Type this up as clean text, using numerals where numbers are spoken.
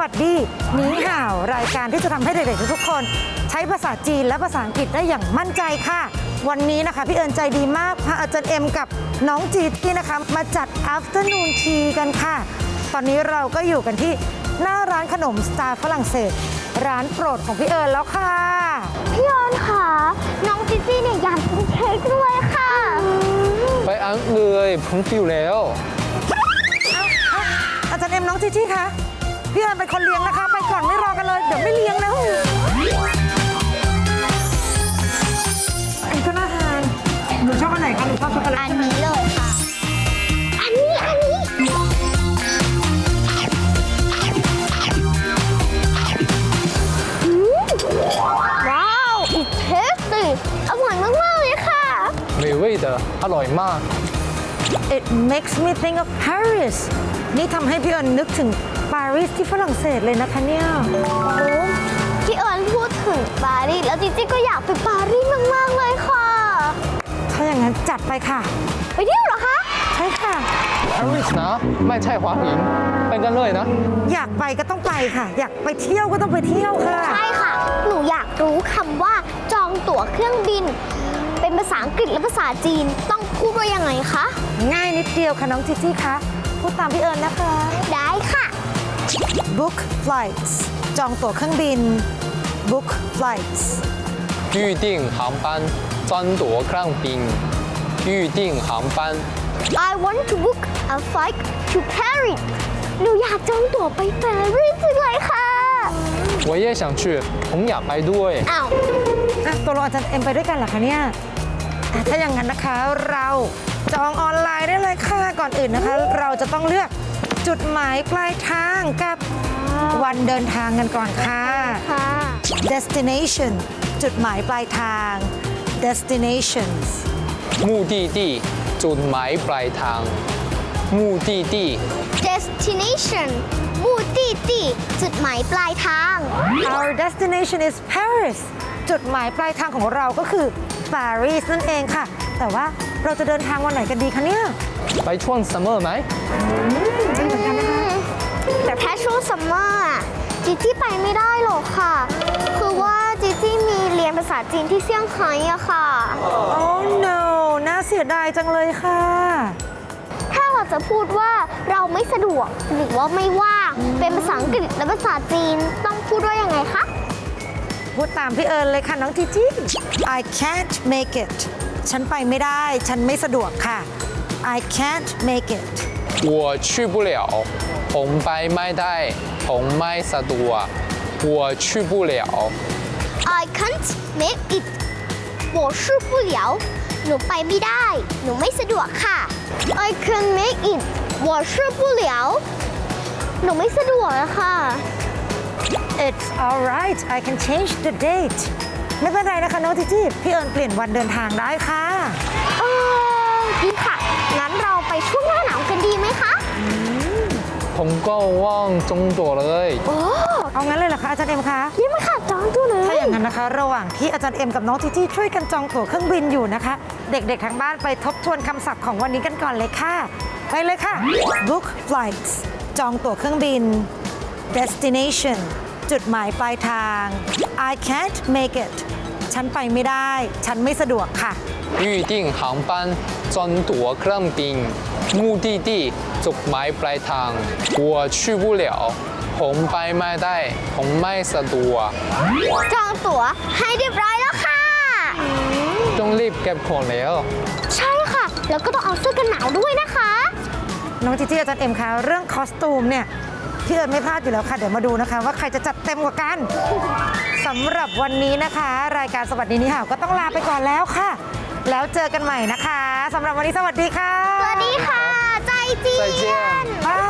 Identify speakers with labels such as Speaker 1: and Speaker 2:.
Speaker 1: วัสดีหนีห่าวรายการที่จะทำให้เด็กๆทุกๆคนใช้ภาษาจีนและภาษาอังกฤษได้อย่างมั่นใจค่ะวันนี้นะคะพี่เอิญใจดีมากพาอาจารย์เอ็มกับน้องจีที่นะคะมาจัด afternoon tea กันค่ะตอนนี้เราก็อยู่กันที่หน้าร้านขนมสไตล์ฝรั่งเศสร้านโปรดของพี่เอิญแล้วค่ะ
Speaker 2: พี่เอิญค่ะน้องจิจี้เนี่ยอยากกินเค้กด้วยค่ะ
Speaker 3: ไปอังเลยผมฟิวแล้ว
Speaker 1: อาจารย์เอ็มน้องจีจี้คะพี่เอิญเป็นคนเลี้ยงนะคะไปก่อนไม่รอกันเลยเดี๋ยวไม่เลี้ยงนะอันนี้ก็น่าทานหนูชอบอันไหนคะหนูชอบช็อกโกแลต
Speaker 2: อันนี้เลยค่ะ อันนี้ว้าว it's tasty อร่อยมากๆเลยค่ะ
Speaker 3: 美味的อร่อยมาก
Speaker 1: It makes me think of Paris นี่ทำให้พี่เอิญนึกถึงปารีสที่ฝรั่งเศสเลยนะคะเนี่ย
Speaker 2: โอ้พี่เอิญพูดถึงปารีสแล้วจิจี้ก็อยากไปปารีสมากๆเลยค่ะ
Speaker 1: ถ้าอย่างนั้นจัดไปค่ะ
Speaker 2: ไปเที่ยวเหรอคะ
Speaker 1: ใช่ค่ะ
Speaker 3: Paris นะไม่ใช่หวานหญิงไปกันเลยนะ
Speaker 1: อยากไปก็ต้องไปค่ะ อยากไปเที่ยวก็ต้องไปเที่ยวค่ะ
Speaker 2: ใช่ค่ะ หนูอยากรู้คำว่าจองตั๋วเครื่องบิน เป็นภาษาอังกฤษและภาษาจีนต้องพูดว่ายังไงคะ
Speaker 1: ง่ายนิดเดียวค่ะน้องจีจี้คะพูดตามพี่เอิญนะคะ
Speaker 2: ได้ค่ะ
Speaker 1: book flights จองตั๋วเครื่องบิน book flights
Speaker 3: 預訂航班專奪เครื่องบิน預訂航班
Speaker 2: I want to book a flight to Paris หนูอยากจองตั๋วไปปารีสจังเลยค่ะ
Speaker 3: 我也想去ผมอยากไปด้วย
Speaker 2: อ้าว
Speaker 1: อ่ะตัวเราอาจารย์เอ็มไปด้วยกันเหรอคะเนี่ยถ้าอย่างนั้นนะคะเราจองออนไลน์ได้เลยค่ะก่อนอื่นนะคะ เราจะต้องเลือกจุดหมายปลายทางกับวันเดินทางกันก่อนค่ะ
Speaker 2: ค่ะ
Speaker 1: destination จุดหมายปลายทาง destinations
Speaker 3: 目的地จุดหมายปลายทาง目的地
Speaker 2: destination 目的地จุดหมายปลายทาง
Speaker 1: Our destination is Paris จุดหมายปลายทางของเราก็คือปารีสนั่นเองค่ะ แต่ว่าเราจะเดินทางวันไหนกันดีคะเนี่ย
Speaker 3: ไปช่วงซัมเมอร์ไหม
Speaker 1: ดีเหมือนกันนะคะ
Speaker 2: แต่ถ้าช่วงซัมเมอร์อะจิจี้ไปไม่ได้หรอกค่ะ คือว่าจิจี้มีเรียนภาษาจีนที่เซี่ยงไฮ้อะค่ะ
Speaker 1: Oh no น่าเสียดายจังเลยค่ะ
Speaker 2: ถ้าเราจะพูดว่าเราไม่สะดวกหรือว่าไม่ว่างเป็นภาษาอังกฤษและภาษาจีนต้องพูดว่ายังไงคะ
Speaker 1: พูดตามพี่เอิญเลยค่ะน้องจีจี้ I can't make it ฉันไปไม่ได้ ฉันไม่สะดวกค่ะ I can't make it
Speaker 3: 我去不了ผมไปไม่ได้ผมไม่สะดวก我去不了
Speaker 2: I can't make it 我去不了หนูไปไม่ได้ หนูไม่สะดวกค่ะ I can't make it 我去不了หนูไม่สะดวกอะค่ะ
Speaker 1: It's alright I can change the date ไม่เป็นไรนะคะน้องจีจี้พี่เอิญเปลี่ยนวันเดินทางได้ค่ะ
Speaker 2: ดีค่ะ งั้นเราไปช่วงหน้าหนาวกันดีไหมคะ
Speaker 3: ผมก็ว่างจงตัวเลย
Speaker 2: โอ้
Speaker 1: เอางั้นเลยเหรอคะอาจารย์เอ็มคะ
Speaker 2: นี่มันค่ะจองตัวเลย
Speaker 1: ถ้าอย่างนั้นนะคะ ระหว่างที่อาจารย์เอ็มกับน้องจีจี้ช่วยกันจองตั๋วเครื่องบินอยู่นะคะ เด็กๆทางบ้านไปทบทวนคำศัพท์ของวันนี้กันก่อนเลยค่ะ ไปเลยค่ะ book flights จองตั๋วเครื่องบิน destination จุดหมายปลายทาง I can't make it ฉันไปไม่ได้ ฉันไม่สะดวกค่ะ
Speaker 3: 預訂航班專奪เครื่องบิน目的地จุดหมายปลายทาง我去不了ผมไปไม่ได้ผมไม่สะดวก
Speaker 2: จองตั๋วให้เรียบร้อยแล้วค่ะ
Speaker 3: ต้องรีบเก็บของแล้ว
Speaker 2: ใช่ค่ะ แล้วก็ต้องเอาเสื้อกันหนาวด้วยนะคะ
Speaker 1: น้องจีจี้อาจารย์เอ็มคะเรื่องคอสตูมเนี่ยพี่เอิญไม่พลาดอยู่แล้วค่ะ เดี๋ยวมาดูนะคะ ว่าใครจะจัดเต็มกว่ากันสำหรับวันนี้นะคะ รายการสวัสดีนี่ห่าวก็ต้องลาไปก่อนแล้วค่ะ แล้วเจอกันใหม่นะคะสำหรับวันนี้สวัสดีค่ะ
Speaker 2: สวัสดีค่ะ ใจเจี
Speaker 3: 再见
Speaker 2: ยน
Speaker 1: บาย